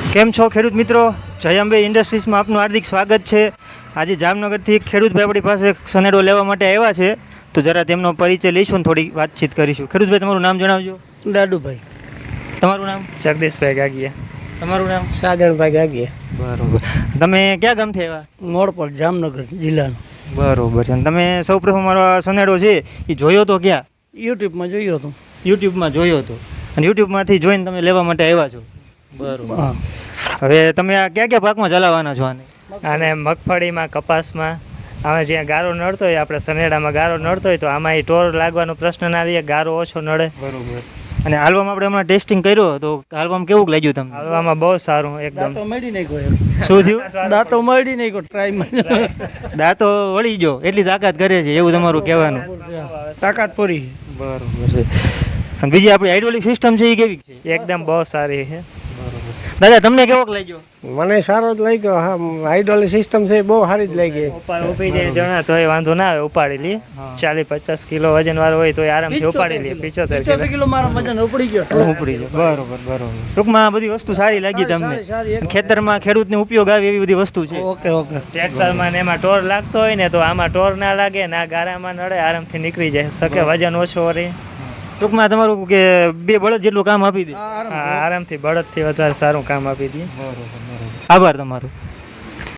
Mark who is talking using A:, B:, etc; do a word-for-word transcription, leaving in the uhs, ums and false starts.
A: કેમ છો ખેડૂત મિત્રો? જય અંબે ઇન્ડસ્ટ્રીઝમાં આપનું હાર્દિક સ્વાગત છે. આજે જામનગરથી ખેડૂતભાઈ આપણી પાસે સનેડો લેવા માટે આવ્યા છે, તો જરા તેમનો પરિચય લઈશું ને થોડી વાતચીત કરીશું. ખેડૂતભાઈ, તમારું નામ જણાવજો.
B: દાદુભાઈ.
A: તમારું નામ?
C: જગદીશભાઈ ગાગીયા.
A: તમારું નામ?
B: સાગરભાઈ ગાગીયા.
A: બરોબર. તમે ક્યાં ગામથી આવ્યા?
B: મોડપર, જામનગર જિલ્લાનો.
A: બરોબર છે. તમે સૌ પ્રથમ મારો આ સનેડો છે એ જોયો તો ક્યાં?
B: યુટ્યુબમાં જોયો હતો.
A: યુટ્યુબમાં જોયો હતો અને યુટ્યુબમાંથી જોઈને તમે લેવા માટે આવ્યા છો. બરોબર.
B: હા.
A: હવે તમે આ ક્યાં ક્યાં પાકમાં ચલાવવાના છો આને?
C: અને મગફળીમાં, કપાસમાં, આમાં જ્યાં ગારો નડતો હોય, આપણે સનેડામાં ગારો નડતો હોય તો આમાં એ ટોર લાગવાનો પ્રશ્ન ના રહે, ગારો ઓછો નડે.
A: બરોબર. અને હાલવામાં આપણે હમણાં ટેસ્ટિંગ કર્યો તો હાલવામાં કેવું લાગ્યું તમને?
C: હાલવામાં બહુ સારું એકદમ.
B: દાંતો મળી નહીં કોઈ.
A: શું થયું?
B: દાંતો મળી નહીં કોઈ ટ્રાયમાં.
A: દાંતો વળી ગયો એટલી તાકાત કરે છે એવું તમારું કહેવાનું?
B: તાકાત પૂરી.
A: બરોબર છે. અને બીજી આપણી હાઇડ્રોલિક સિસ્ટમ છે એ કેવી છે?
C: એકદમ બહુ સારી છે.
A: દાદા, તમને કેવોક લાગ્યો?
D: મને સારો જ લાગ્યો. હા, હાઇડ્રોલિક સિસ્ટમ છે બહુ સારી જ લાગી.
C: ઉપર ઊભી જાય જણા તો વાંધો ના આવે, ઉપાડી લઈએ. ચાલીસ પચાસ કિલો વજન વાળો હોય તો આરામથી ઉપાડી લઈએ. પિચોતેર કિલો
B: કિલો મારો વજન ઉપડી ગયો.
A: ઉપડી ગયો. બરોબર બરોબર. ટૂંકમાં આ બધી વસ્તુ સારી લાગી તમને? ખેતરમાં ખેડૂતને ઉપયોગ આવે એવી બધી વસ્તુ છે.
B: Okay okay.
C: ટ્રેક્ટરમાં ને એમાં ટોર લાગતો હોય ને તો આમાં ટોર ના લાગે, ના ગારામાં નડે, આરામથી નીકળી જાય શકે, વજન ઓછો રહે.
A: ટૂંકમાં તમારું કે બે બળદ જેટલું કામ આપી દે.
C: હા, આરામથી બળદથી વધારે સારું કામ આપી દઈએ.
A: આભાર તમારો.